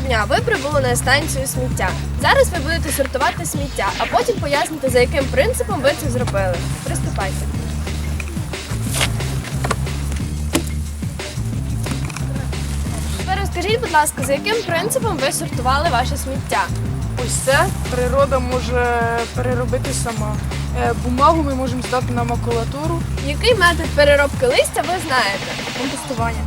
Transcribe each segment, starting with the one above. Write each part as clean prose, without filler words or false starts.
дня ви прибули на станцію сміття. Зараз ви будете сортувати сміття, а потім поясните, за яким принципом ви це зробили. Приступайте. Тепер розкажіть, будь ласка, за яким принципом ви сортували ваше сміття? Ось це природа може переробити сама. Бумагу ми можемо здати на макулатуру. Який метод переробки листя ви знаєте? Компостування.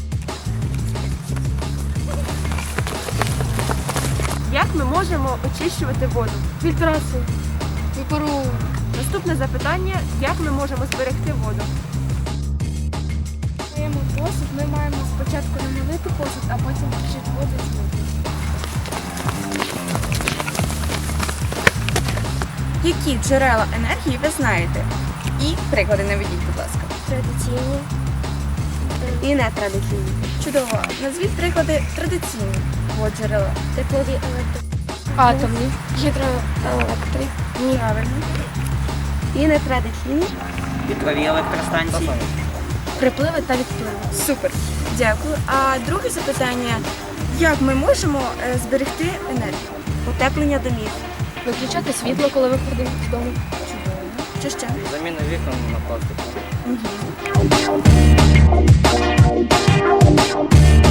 Як ми можемо очищувати воду? Фільтрацію. Випаровування. Наступне запитання: як ми можемо зберегти воду? Маємо посуд, ми маємо спочатку намолити посуд, а потім вчити воду і змити. Які джерела енергії ви знаєте? І приклади наведіть, будь ласка. Традиційні. І нетрадиційні. Чудово. Назвіть приклади традиційних джерела. Теплові електро. Атомні. Гідроелектрик. Правильно. І нетрадиційні. Вітрові електростанції. Припливи та відпливи. Супер. Дякую. А друге запитання: як ми можемо зберегти енергію? Утеплення домів. Виключати світло, коли виходимо з дому. Чудово. Що ще? Заміна вікон на пластик. Угу.